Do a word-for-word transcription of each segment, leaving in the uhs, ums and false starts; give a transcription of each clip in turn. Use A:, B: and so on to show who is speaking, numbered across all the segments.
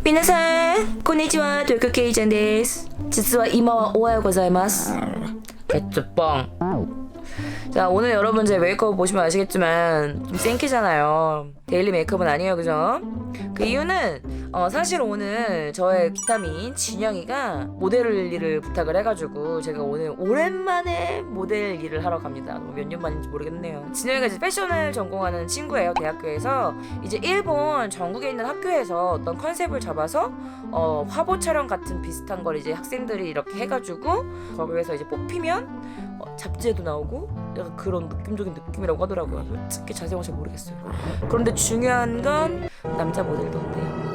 A: 皆さんこんにちは、東京ケイちゃんです。実は今はおはようございます。개쭈뻥. 자, 오늘 여러분 제 메이크업 보시면 아시겠지만 좀 생기잖아요. 데일리 메이크업은 아니에요, 그죠? 그 이유는 어, 사실 오늘 저의 비타민 진영이가 모델 일을 부탁을 해가지고 제가 오늘 오랜만에 모델 일을 하러 갑니다. 몇 년 만인지 모르겠네요. 진영이가 이제 패션을 전공하는 친구예요, 대학교에서. 이제 일본 전국에 있는 학교에서 어떤 컨셉을 잡아서 어, 화보 촬영 같은 비슷한 걸 이제 학생들이 이렇게 해가지고 거기에서 이제 뽑히면 어, 잡지에도 나오고 약간 그런 느낌적인 느낌이라고 하더라고요. 솔직히 자세한 건 잘 모르겠어요. 그런데 중요한 건 남자 모델도 온대요.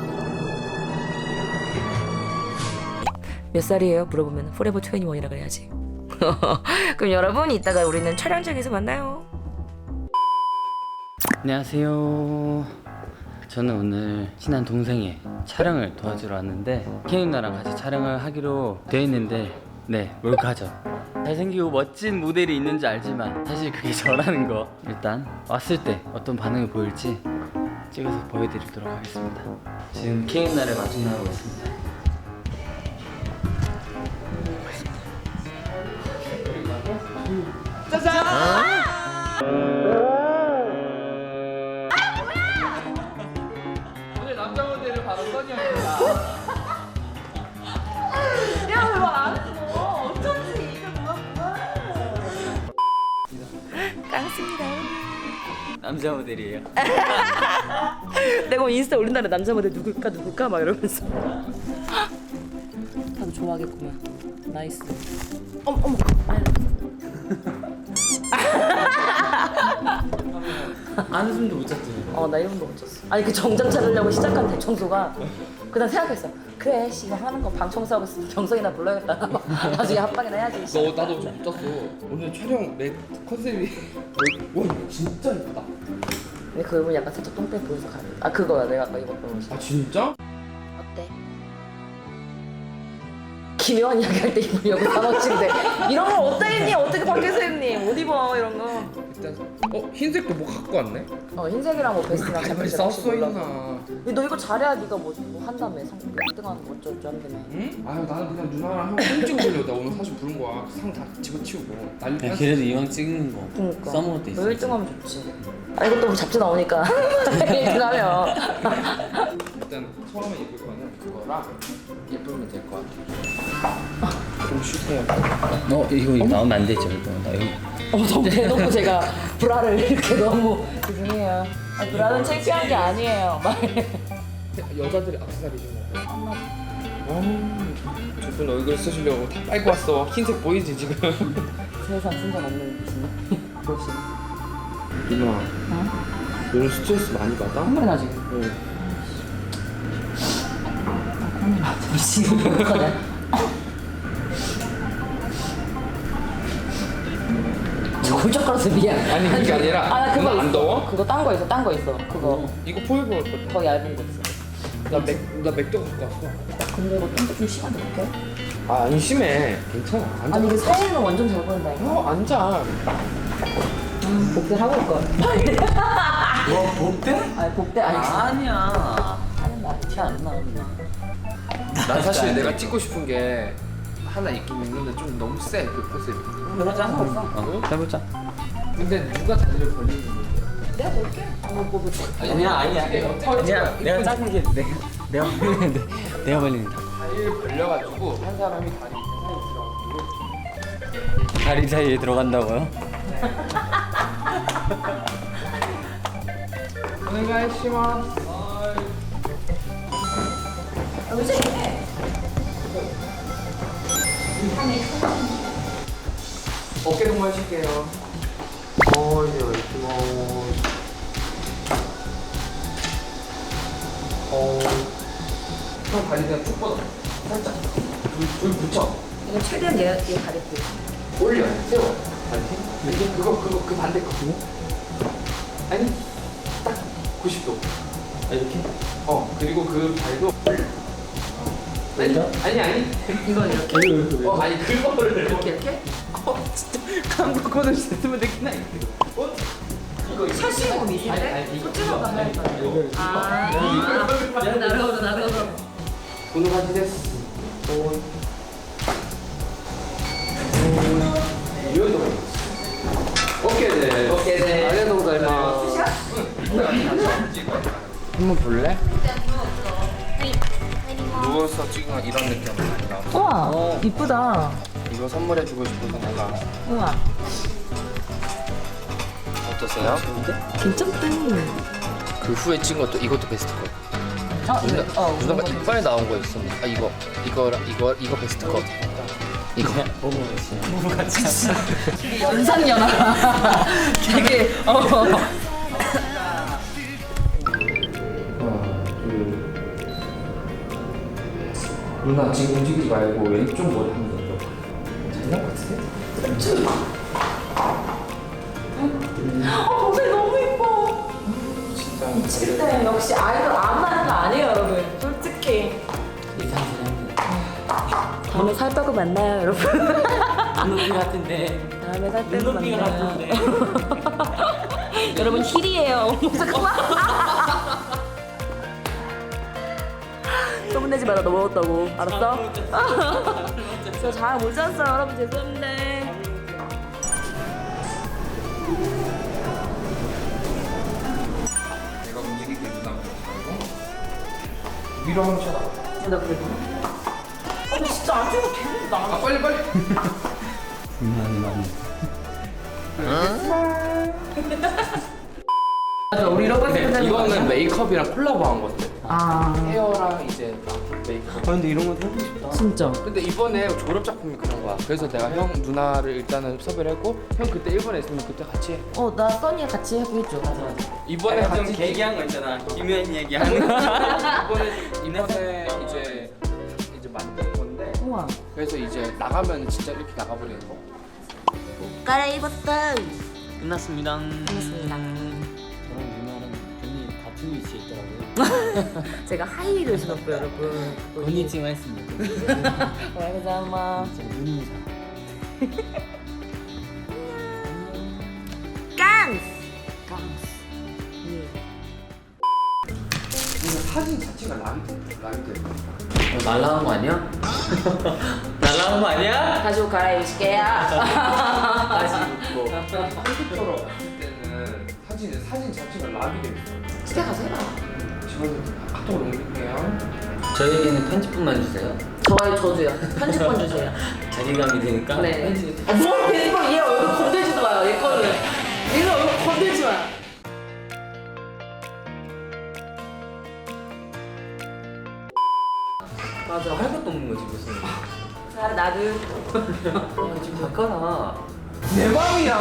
A: 몇 살이에요? 물어보면 포레버 이십일이라 그래야지. 그럼 여러분 이따가 우리는 촬영장에서 만나요.
B: 안녕하세요. 저는 오늘 친한 동생의 촬영을 도와주러 왔는데 케이 누나랑 같이 촬영을 하기로 되어 있는데 네, 몰카죠. 잘생기고 멋진 모델이 있는지 알지만 사실 그게 저라는 거. 일단 왔을 때 어떤 반응을 보일지 찍어서 보여드리도록 하겠습니다. 지금 케이 누나를 마중나고 있습니다. 짜잔! 오늘 남자 모델은 바로 써니입니다.
A: 야, 왜 말 안 했어? 어쩐지 이걸 몰랐구나. 깡습니다.
B: 남자 모델이에요.
A: 내가 인스타 올린다는 남자 모델 누굴까 누굴까 막 이러면서. 다들 좋아하겠구만. 나이스. 어머 어머.
B: 안 웃음도 못 잤지.
A: 어, 나 이름도 못 쳤어. 아니 그 정장 찾으려고 시작한 대청소가 그다음 생각했어. 그래 씨 이거 하는 거 방 청소하고 있으면 경성이나 불러야겠다. 나중에 합방이나 해야지. 씨.
C: 너 나도 좀 못 잤어. 오늘 촬영 내 컨셉이 와 이거 진짜 예쁘다.
A: 근데 그 부분 약간 살짝 똥배 보여서 가야 돼. 아 그거야 내가 아까 입었던 옷이.
C: 아 진짜?
A: 어때? 기묘한 이야기 할 때 입으려고 사먹친데 이런 걸 어디다 입니? 어떻게 밖에서 입니? 못 입어 이런 거.
C: 일단 어 흰색도 뭐 갖고 왔네?
A: 어 흰색이랑 뭐 베스트랑
C: 빨리
A: 자켓이랑
C: 썼어
A: 몰라.
C: 있나?
A: 너 이거 잘해야 네가 뭐, 뭐 한다며 상 일 등 하는 거 어쩌고 한다며.
C: 응? 아유 나는 그냥 누나랑 한번 사진 찍어보려고 나 오늘 사실 부른 거야. 상 다 집어치우고 난리
B: 야,
C: 났어.
B: 그래도 이왕 찍는 거
A: 그러니까.
B: 써먹을 때 있어.
A: 너 일 등 하면 좋지. 아 이것도 뭐 잡지 나오니까 일 등 하면.
C: 일단 처음에 입을 거는 그거랑 예쁘면 될 것 같아. 좀 쉬세요.
B: 어 이거 이거 나오면 안 되죠 이거. 나 이거.
A: 어 너무 대놓고 제가 브라를 이렇게 너무 죄송해요. 아, 브라는 창피한 게 아니에요. 말.
C: 여자들이 악세사리지 뭐. 저분 얼굴 쓰시려고 다 빨고 왔어. 흰색 보이지 지금?
A: 세상 쓴 적 없는 무슨 보시.
C: 누나
A: 어?
C: 오늘 스트레스 많이 받아?
A: 한 번에 나 지금.
C: 응.
A: 아, 미치고 못하네. 저 굴쩍거려서 미안.
C: 아니 그게 아니라
A: 아, 나 그거
C: 누나 안
A: 있어.
C: 더워?
A: 그거 딴 거 있어, 딴 거 있어. 그거
C: 이거 포획을 할 거야.
A: 더 얇은 거 있어.
C: 나 맥, 나 맥도 갖고 왔어.
A: 근데 이거 좀, 좀 심한데 어떡해?
C: 아, 안 심해. 괜찮아. 앉아.
A: 아니 이게 사진은 완전 잘 보인다 이거.
C: 어, 앉아.
A: 음, 복대 하고 올 걸.
B: 뭐 복대?
A: 아니 복대 아니.
B: 아니야.
A: 하는 날 티안 나.
C: 난 사실 내가 찍고 싶은 게 하나 있긴 있는데 좀 너무 세, 그 포스이.
A: 여러 장 하고 있어.
B: 어 해보자.
C: 근데 누가 다리를 벌리는 건데?
A: 내가 볼게. 한번 뽑을게.
B: 아니야 아니야. 아니야 내가 작은 게 내가 내가 벌리는데 내가 벌리는데.
C: 다리를 벌려가지고 한 사람이 다리 사이에 들어가고
B: 다리 사이에 들어간다고요?
C: 오네가이시마스.
A: 의지.
C: 어깨 동무해 줄게요. 어, 이제 이렇게 뭐. 어. 형 다리 그냥 쭉 뻗어. 살짝. 둘, 둘 붙여.
A: 이거 최대한 얘, 얘 다리 보
C: 올려. 세워. 다리. 이게 그거, 그거, 그 반대 거. 아니, 딱 구십 도. 아, 이렇게? 어, 그리고 그 발도 올려. 아니, 아니, 아니.
A: 이건 이렇게.
C: 어, 아니, 그거를.
A: 이렇게 이렇게?
C: 어, 진짜. 한국어를 쓰면 되긴 해. 어? 이거 이거.
A: 사실은
C: 아니,
A: 미신데?
C: 아니, 이거.
A: 소ጭ는 거 하니까.
C: 이거.
A: 아, 나르호로 나르호로.
C: こんな感じです。おーい。いよいよです。오케이です。
A: 오케이です。
C: ありがとうございます。한번 볼래? 누워서 찍으면 이런 느낌 많이 나와.
A: 우와 이쁘다.
C: 이거 선물해주고 싶어서 내가.
A: 우와
C: 어떠세요?
A: 괜찮대.
C: 그 후에 찍은 것도 이것도 베스트 컷.
A: 아 이거 어
C: 누나가 이빨 나온 거 있었네. 아 이거 이거랑 이거 이거 베스트 컷. 이거.
A: 연상연하. 되게 어.
C: 누나 지금 움직이지 말고 왼쪽 머리 한번 내려. 잘 나올 것 같은데?
A: 어 모델 너무 예뻐.
C: 진짜.
A: 미치겠다. 역시 아이돌 안 하는 거 아니에요 여러분. 솔직히. 다음에 살 빼고 만나요 여러분.
B: 눈높이 같은데.
A: 다음에 살 빼고
B: 눈높이가
A: 만나요.
B: 같은데.
A: 여러분 힐이에요. 어머, 잠깐만. 소문내지 마라. 너 먹었다고. 알았어? 저 잘 못 잤어요 여러분. 죄송한데.
C: 내가 움직이게 누나 말고 위로 한번 쳐다.
A: 나 그래. 아니 진짜 안 찍어도 되는데 나.
C: 아 빨리 빨리.
B: 많이 많이.
A: 맞아 우리 이런 거
C: 근데 이거는 메이크업이랑 콜라보한 건데.
A: 아
C: 헤어랑 이제 막 메이크업.
B: 아 근데 이런 거 해보고 싶다.
A: 진짜.
C: 근데 이번에 졸업 작품이 그런 거야. 그래서 내가 형 누나를 일단은 섭외를 했고 형 그때 일본에 있으면 그때 같이 해.
A: 어나 써니랑 같이 해보겠죠. 맞아 맞아.
C: 이번에
B: 좀
C: 같이
B: 얘기한 거 있잖아. 김현 얘기하는 거.
C: 이번에 이번에 이제 이제 만든 건데.
A: 우와.
C: 그래서 이제 나가면 진짜 이렇게 나가버리는 거.
A: 갈아입었어.
B: 끝났습니다.
A: 끝났습니다.
B: 저랑 누나랑 괜히 같은 위치에 있더라고요.
A: 제가 하이힐을 신었고요 여러분.
B: 건니치마 했습니다.
A: 감사합니다.
B: 진짜 눈인사.
A: 깡스.
C: 근데 사진 자체가 라이트 라이트.
B: 어, 날라간 거 아니야? 날라간 거 아니야?
A: 다시 옷 갈아입으실게요.
B: 다시 뭐.
C: 컴퓨터로 봤을 때는 사진 사진 자체가 락이 돼 있어.
A: 집에 가서 해봐.
C: 지금 카톡으로 옮길게요.
B: 저에게는 편집분만 주세요.
A: 저와의 저주요. 편집권 주세요.
B: 자기감이 되니까.
A: 네. 아, 뭘 편집권 얘 얼굴 건들지도 마요. 얘 거는. 얘는 얼굴 건들지 마.
B: 맞아. 할 것도 없는 거지 무슨.
A: 자 나도.
B: 야 지금 바꿔라.
C: 내 맘이야.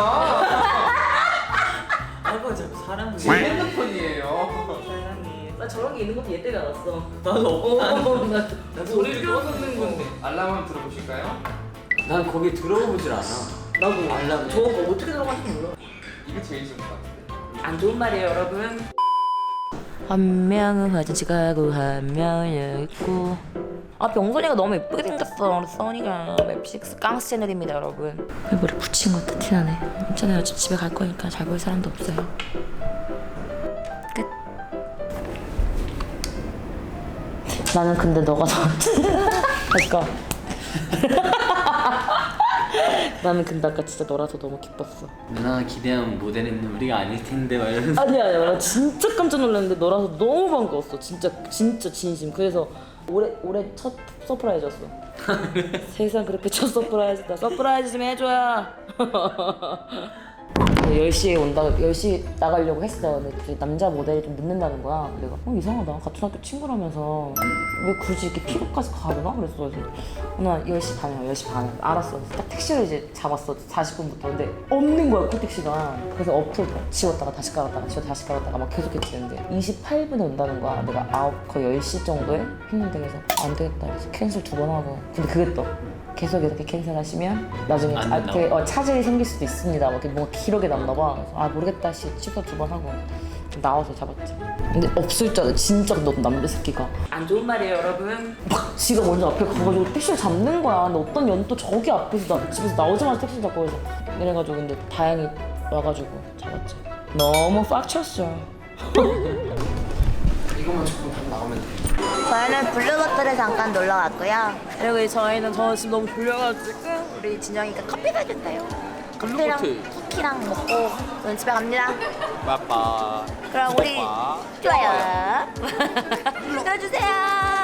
B: 아이고 자꾸 사람을.
C: 제 핸드폰이에요.
B: 사랑해.
A: 나 저런 게 있는 것도 얘 때문에 알았어.
B: 나도 없다.
A: 어, 나
B: 나 소리를 꺼서 듣는 건데.
C: 알람 한번 들어보실까요?
B: 난 거기 들어보질 않아.
A: 나도
B: 알람.
A: 저거 어떻게 들어가는지 몰라.
C: 이게 제일 좋은 것 같은데.
A: 안 좋은 말이에요 여러분. 한 명은 화장실 가고 한 명은 여기 있고. 아 병선이가 너무 예쁘게 생겼어. 우리 써니가 웹식스 깡스 채널입니다 여러분. 머리 붙인 것 같아 티나네. 괜찮아요. 어차피 집에 갈 거니까 잘 볼 사람도 없어요. 끝. 나는 근데 너가 더 다시 가. 나는 근데 아까 진짜 너라서 너무 기뻤어.
B: 누나가 기대한 모델은 우리가 아닐 텐데 막 이러면서.
A: 아니야 아니야 나 진짜 깜짝 놀랐는데 너라서 너무 반가웠어. 진짜 진짜 진심. 그래서 올해 올해 첫 서프라이즈였어. 세상 그렇게 첫 서프라이즈. 나 서프라이즈 좀 해줘야. 열 시에 온다. 열 시 나가려고 했어. 근데 그 남자 모델이 좀 늦는다는 거야. 내가 어 이상하다. 같은 학교 친구라면서 왜 굳이 이렇게 피부까지 가려나? 그랬어. 그래서 나 열 시 반이야. 열 시 반에 알았어. 딱 택시를 이제 잡았어. 사십 분부터. 근데 없는 거야 콜택시가. 그래서 어플 지웠다가 다시 깔았다가 지웠다가 다시 깔았다가 막 계속 했는데 이십팔 분에 온다는 거야. 내가 아홉 거의 열 시 정도에 했는데 그래서 안 되겠다. 그래서 캔슬 두 번 하고. 근데 그게 또 계속 이렇게 캔슬하시면 나중에
B: 안
A: 아,
B: 된다고?
A: 되게, 어, 차질이 생길 수도 있습니다. 막 이렇게 뭔가 기록에 남나 봐. 그래서 아 모르겠다 씨 취소 두 번 하고 나와서 잡았지. 근데 없을 줄 알아. 진짜 너 남자 새끼가 안 좋은 말이에요 여러분. 막 지가 먼저 앞에 가가지고 택시를 잡는 거야. 근데 어떤 년은 또 저기 앞에서 나 집에서 나오자마자 택시 잡고 그래서 이래가지고 근데 다행히 와가지고 잡았지. 너무 빡쳤어.
C: 이것만 조금 더 나오면 돼.
A: 빨리
D: 저희는 블루버틀에 잠깐 놀러 왔고요. 그리고 저희는 저 지금 너무 졸려가지고 우리 진영이가 커피 사준대요. 커피랑
C: 블루버틀.
D: 쿠키랑 먹고 저는 집에 갑니다.
C: 빠빠.
D: 그럼 우리
C: 구독과
D: 좋아요 눌러주세요.